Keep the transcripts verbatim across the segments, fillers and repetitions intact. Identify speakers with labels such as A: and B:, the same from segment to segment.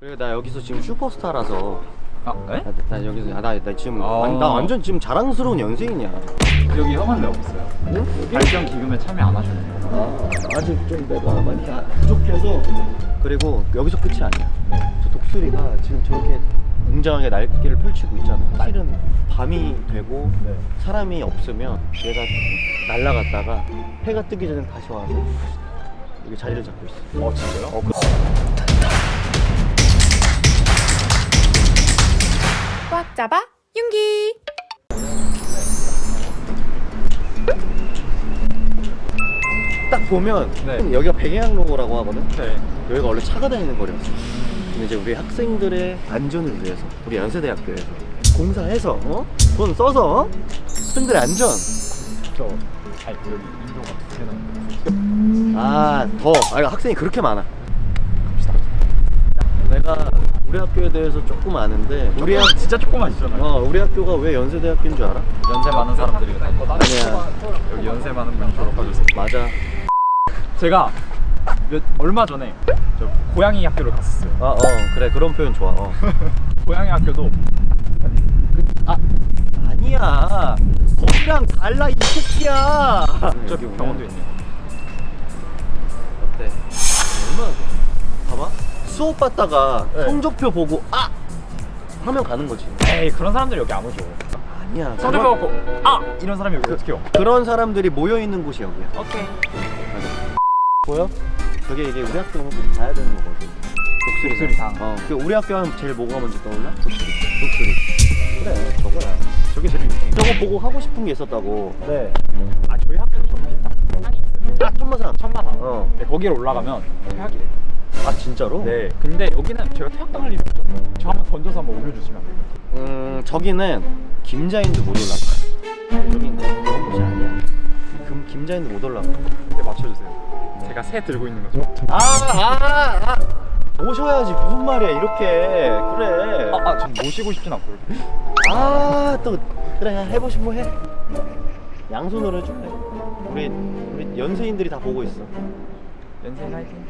A: 그리고 나 여기서 지금 슈퍼스타라서.
B: 아, 네?
A: 나, 나 여기서 아, 나, 나 지금
B: 아.
A: 아니, 나 완전 지금 자랑스러운 연예인이야.
B: 여기 형은 왜 없어요?
A: 응?
B: 발전 기금에 참여 안 하셨네요.
A: 아, 아직 좀 내가 많이 아- 부족해서. 그리고 여기서 끝이 아니야.
B: 네.
A: 저 독수리가 지금 저렇게 웅장하게 날개를 펼치고 있잖아. 실은 밤이 되고
B: 네.
A: 사람이 없으면 얘가 날아갔다가 해가 뜨기 전에 다시 와서 여기 자리를 잡고 있어.
B: 어, 진짜요?
A: 어, 그...
C: 꽉 잡아 윤기.
A: 딱 보면
B: 네.
A: 여기가 백양로라고 하거든.
B: 네.
A: 여기가 원래 차가 다니는 거리였어. 근데 이제 우리 학생들의 안전을 위해서 우리 연세대학교에서 공사해서 어? 돈 써서 학생들의 안전.
B: 저, 아니, 여기 인도가 두 개나 있는데.
A: 아, 더. 아, 학생이 그렇게 많아. 내가 우리 학교에 대해서 조금 아는데 우리 학
B: 진짜 조그만이잖아요.
A: 어, 우리 학교가 왜 연세대학교인 줄 알아?
B: 연세 많은 사람들이 다니고.
A: 아니야.
B: 여기 연세 많은 분이 졸업하셨어요.
A: 맞아.
B: 제가 몇, 얼마 전에 저 고양이 학교를 갔었어요.
A: 아, 어, 그래. 그런 표현 좋아. 어.
B: 고양이 학교도
A: 아, 아니야. 거기랑 달라 이 새끼야.
B: 저기 병원도 있네요.
A: 어때? 얼마나 좋아? 봐봐. 수업 받다가
B: 네.
A: 성적표 보고 아! 하면 가는 거지.
B: 에이, 그런 사람들이 여기 안 오죠.
A: 아니야.
B: 성적
A: 그런-
B: 받고 아! 이런 사람이 여기 어떻게 요
A: 그런 사람들이 모여 있는 곳이 여기야.
B: 오케이.
A: 보여? 저게 이게 우리 학교 오면 꼭 가야 되는 거거든. 독수리상.
B: 독수리상.
A: 어. 그 우리 학교 하면 제일 뭐가 먼저 떠올라? 독수리. 독수리. 그래, 저거야.
B: 저게 제일 유명해요.
A: 저거 보고 하고 싶은 게 있었다고.
B: 네. 아, 저희 학교도 좀 비슷한 상이 있어요.
A: 아, 천마산.
B: 천마산.
A: 어.
B: 네, 거기를 올라가면 퇴학이래요.
A: 아, 진짜로?
B: 네. 근데 여기는 제가 퇴학당할 일이 없잖아요. 저 한번 던져서 한번 올려주시면 안 돼요?
A: 음, 저기는 김자인도 못 올라가. 여기는 그런 곳이 아니야. 금 김자인도 못 올라가.
B: 네, 맞춰주세요. 제가 새 들고 있는 거죠.
A: 아, 아, 아. 오셔야지. 무슨 말이야, 이렇게. 그래.
B: 아, 아, 전 모시고 싶진 않고 이렇게.
A: 아, 또 그래, 해보신 거 해. 양손으로 해줄래? 우리 우리 연세인들이 다 보고 있어.
B: 연세인 화이팅.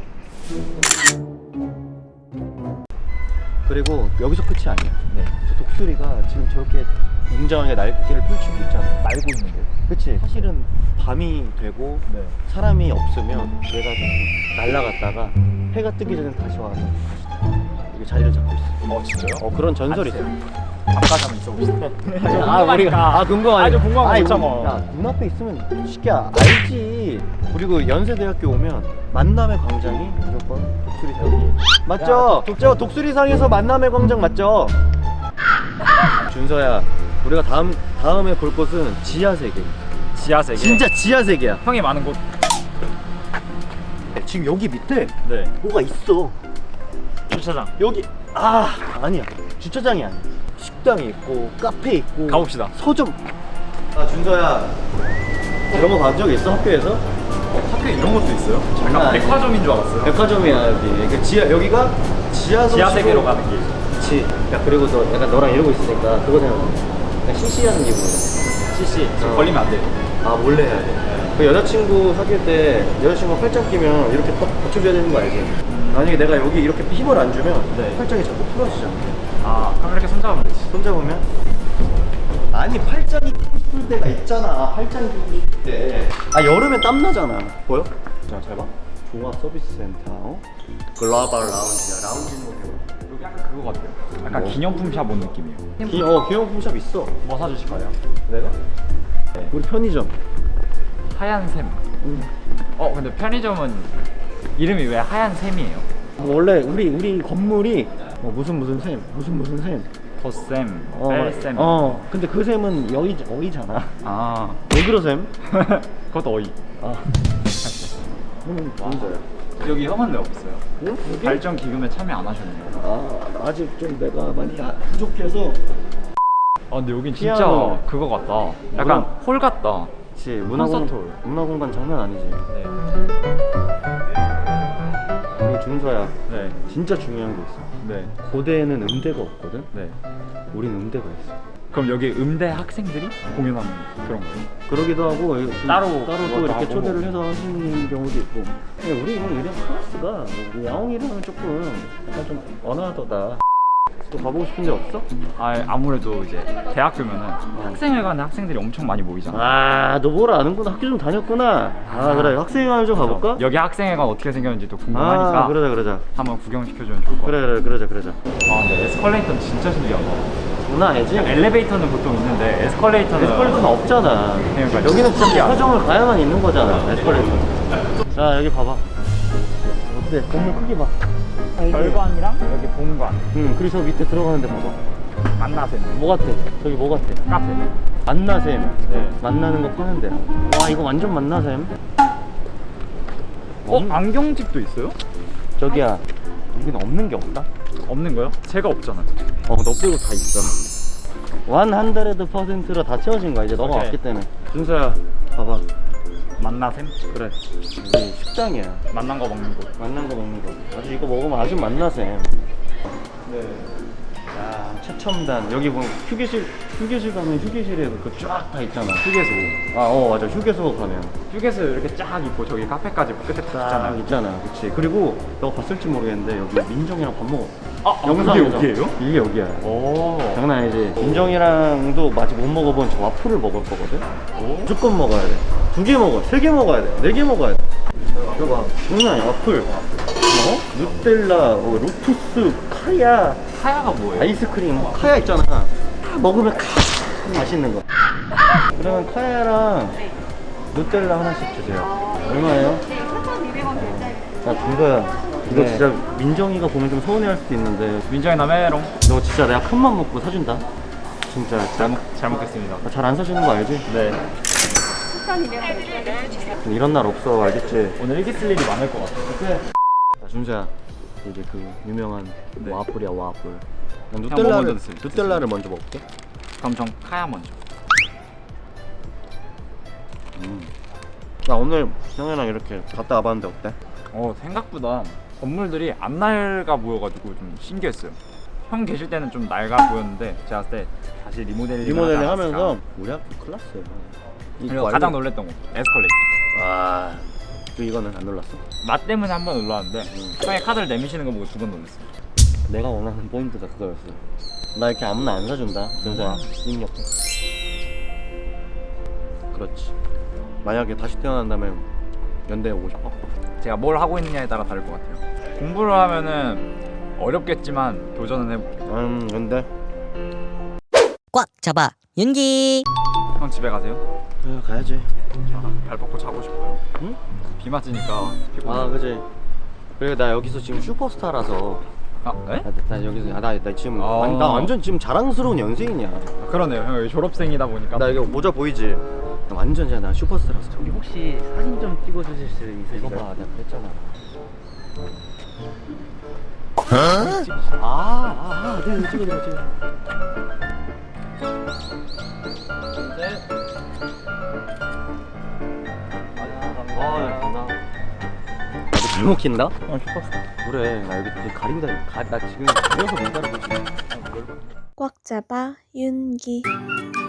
A: 그리고 여기서 끝이 아니야.
B: 네.
A: 저 독수리가 지금 저렇게 웅장하게 날개를 펼치고 있잖아.
B: 날고 있는데요.
A: 그치? 사실은 밤이 되고
B: 네.
A: 사람이 없으면 얘가 날아갔다가 해가 뜨기 전에 다시 와서 여기 자리를 잡고 있어.
B: 어, 진짜요?
A: 어, 그런 전설이 있어.
B: 잠깐 한번 있어봅시다.
A: 아, 우리가 아 궁금하네.
B: 아주 궁금한 거
A: 아니,
B: 못 참아.
A: 우리- 야, 눈앞에 있으면 시키야 알지. 그리고 연세대학교 오면 만남의 광장이 무조건 독수리상이 맞죠? 독저 독수리상에서 만남의 광장 맞죠? 준서야, 우리가 다음 다음에 볼 곳은 지하 세계.
B: 지하 세계.
A: 진짜 지하 세계야.
B: 형이 많은 곳.
A: 지금 여기 밑에
B: 네.
A: 뭐가 있어.
B: 주차장.
A: 여기 아 아니야. 주차장이 아니야. 식당이 있고 카페 있고
B: 가봅시다.
A: 서점. 아 준서야, 이런 거 본 적 있어 학교에서?
B: 학교에 이런 것도 있어요?
A: 장난
B: 약간
A: 아니야.
B: 백화점인 줄 알았어요.
A: 백화점이야 여기. 그러니까 지하 여기가 지하
B: 지하 세계로 가는 길.
A: 그렇지. 야 그리고 너 약간 너랑 이러고 있으니까 그거 생각나. 그냥 시시하는 기분이야.
B: 씨씨. 지금
A: 어.
B: 걸리면 안 돼요.
A: 아 몰래 해야 돼. 그 여자친구 사귈 때 여자친구가 팔짱 끼면 이렇게 딱 받쳐줘야 되는 거 알지? 만약에 내가 여기 이렇게 힘을 안 주면
B: 네.
A: 팔짱이 자꾸 풀어지잖아.
B: 아, 그럼 이렇게 손잡으면 되지.
A: 손잡으면? 아니 팔짱이 끼고 싶을 때가 있잖아. 팔짱 끼고 싶을 때. 아 여름에 땀 나잖아. 보여? 자 잘 봐. 종합 서비스 센터. 어? 글로벌 라운지야. 라운지 모델.
B: 여기 약간 그거 같아요. 약간
A: 뭐?
B: 기념품 샵 온 느낌이에요.
A: 기, 어 기념품 샵 있어.
B: 뭐 사주실 거예요?
A: 내가?
B: 네.
A: 우리 편의점.
B: 하얀 샘.
A: 응.
B: 어, 근데 편의점은 이름이 왜 하얀 샘이에요?
A: 원래 우리 우리 건물이 어, 무슨 무슨 샘, 무슨 무슨 샘.
B: 덧샘,
A: 어,
B: 뺄샘.
A: 어. 근데 그 샘은 여의 어이잖아.
B: 아.
A: 왜 그러 샘?
B: 그것도 어이.
A: 아. 형은 진짜야.
B: 여기 형은 왜 없어요?
A: 응? 여기?
B: 발전 기금에 참여 안 하셨네요.
A: 아 아직 좀 내가 많이 아- 부족해서.
B: 아, 근데 여긴 진짜
A: 피아노.
B: 그거 같다. 약간
A: 문화-
B: 홀 같다.
A: 그치. 문화공
B: 콘서트 홀.
A: 문화공간 장난 아니지.
B: 네.
A: 우리 준서야.
B: 네.
A: 진짜 중요한 게 있어.
B: 네.
A: 고대에는 음대가 없거든.
B: 네.
A: 우린 음대가 있어.
B: 그럼 여기 음대 학생들이 공연하는 그런 거예요?
A: 그러기도 하고 또
B: 따로
A: 따로 또
B: 그것도
A: 이렇게
B: 하고.
A: 초대를 해서 하시는 경우도 있고. 근데 우리 이런 클래스가 뭐 야옹이랑은 조금 약간 좀 언어하더다. 또 가보고 싶은 데 없어?
B: 아 아무래도 이제 대학교면은 학생회관에 학생들이 엄청 많이 모이잖아.
A: 아, 너 뭘 아는구나. 학교 좀 다녔구나. 아, 그래. 학생회관 좀 가볼까?
B: 여기 학생회관 어떻게 생겼는지 또 궁금하니까
A: 아, 그러자, 그러자.
B: 한번 구경시켜주면 좋을 것 같아.
A: 그래, 그래, 그러자, 그러자.
B: 아 근데 에스컬레이터는 진짜 신기하다.
A: 장난 아니지?
B: 엘리베이터는 보통 있는데 에스컬레이터는
A: 에스컬레이터는 없잖아.
B: 그러니까
A: 여기는 진짜
B: 신기하다.
A: 사정을 가야만 있는 거잖아. 에스컬레이터. 자, 여기 봐봐. 어때? 건물 크기 봐.
B: 별관이랑 여기 본관
A: 응, 그리고 저 밑에 들어가는데 봐봐.
B: 만나셈
A: 뭐 같아? 저기 뭐 같아?
B: 카페.
A: 만나샘.
B: 네.
A: 만나는 거 파는데. 와, 이거 완전 만나샘.
B: 어? 안경집도 있어요?
A: 저기야, 여기는 없는 게 없다?
B: 없는 거요? 제가 없잖아.
A: 어, 너 빼고 다 있어. 백 퍼센트로 다 채워진 거야. 이제 너가
B: 오케이.
A: 왔기 때문에. 준서야, 봐봐.
B: 만나셈?
A: 그래. 우리 식당이야.
B: 만난 거 먹는 곳.
A: 만난 거 먹는 거. 아주 이거 먹으면 아주 만나샘.
B: 네.
A: 야, 최첨단. 여기 보면 휴게실, 휴게실 가면 휴게실에 그 쫙 다 있잖아.
B: 휴게소.
A: 아, 어, 맞아. 휴게소 가면.
B: 휴게소 이렇게 쫙 있고 저기 카페까지 끝에 딱
A: 쫙
B: 있잖아요.
A: 있잖아. 그치. 그리고 너가 봤을지 모르겠는데 여기 민정이랑 밥 먹어.
B: 아, 아
A: 영상에서.
B: 그게 여기예요?
A: 이게 여기야.
B: 오.
A: 장난 아니지. 민정이랑도 아직 못 먹어본 저 와플을 먹을 거거든.
B: 오.
A: 무조건 먹어야 돼. 두 개 먹어. 세 개 먹어야 돼. 네 개 먹어야 돼. 이거 봐. 장난 아니야. 와플. 어? 누텔라, 뭐, 루투스, 카야,
B: 카야가 뭐예요?
A: 아이스크림, 뭐 카야 있잖아. 다 먹으면 카 맛있는 거. 그러면 카야랑 누텔라 하나씩 주세요. 얼마예요?
D: 사천이백 원 결제할게요.
A: 야, 준거야. 이거
B: 네.
A: 진짜 민정이가 보면 좀 서운해할 수도 있는데
B: 민정이 나 메롱.
A: 너 진짜 내가 큰 맘 먹고 사준다. 진짜
B: 잘, 먹, 잘 먹겠습니다.
A: 잘 안 사주는 거 알지?
B: 네.
D: 사천이백 원 결제할게요.
A: 이런 날 없어, 알겠지?
B: 오늘 일기 쓸 일이 많을 것 같아.
A: 자, 준서야, 이제 그 유명한
B: 네.
A: 와플이야, 와플. 난
B: 뭐
A: 누텔라를,
B: 먼저 드세요?
A: 누텔라를 먼저 먹을게.
B: 그럼 전 카야 먼저.
A: 음. 나 오늘 형이랑 이렇게 갔다 와봤는데 어때?
B: 어 생각보다 건물들이 안 낡아 보여가지고 좀 신기했어요. 형 계실 때는 좀 낡아 보였는데 제가 봤을 때 다시 리모델링
A: 리모델링 하면서 우리 학교 클났어요.
B: 그리고 가장 놀랬던 거 에스컬레이터.
A: 아, 또 이거는 안 놀랐어?
B: 나 때문에 한 번 놀랐는데 형이 카드를 내미시는 거 보고 두 번 놀랐어요.
A: 내가 원하는 포인트가 그거였어. 나 이렇게 아무나 안 사준다. 준서야, 입력해. 그렇지. 만약에 다시 태어난다면 연대에 오고 싶어?
B: 제가 뭘 하고 있느냐에 따라 다를 것 같아요. 공부를 하면은 어렵겠지만 도전은 해볼게요.
A: 음, 연대.
E: 꽉 잡아 윤기.
B: 형 집에 가세요.
A: 그래, 가야지.
B: 발 뻗고 자고 싶어요.
A: 응?
B: 비 맞으니까 피곤해.
A: 아, 그지. 그리고 나 여기서 지금 슈퍼스타라서.
B: 아, 네?
A: 나, 나 여기서 아, 나, 나 지금
B: 아.
A: 완- 나 완전 지금 자랑스러운 연예인이야.
B: 아, 그러네요. 형 여기 졸업생이다 보니까.
A: 나 이거 모자 보이지? 나 완전 진짜 나 슈퍼스타라서. 저기
E: 혹시 사진 좀 찍어주실 수
A: 이거
E: 있으실까요?
A: 봐, 내가 그랬잖아. 아, 아, 아, 네, 찍어, 찍어, 찍어. 아, 나. 나도 잘 먹힌다?
B: 형 슈퍼스타.
A: 그래, 나 여기 되게 가리고 다니. 가, 나 지금 가려서 못 가리고 있어.
C: 꽉 잡아 윤기.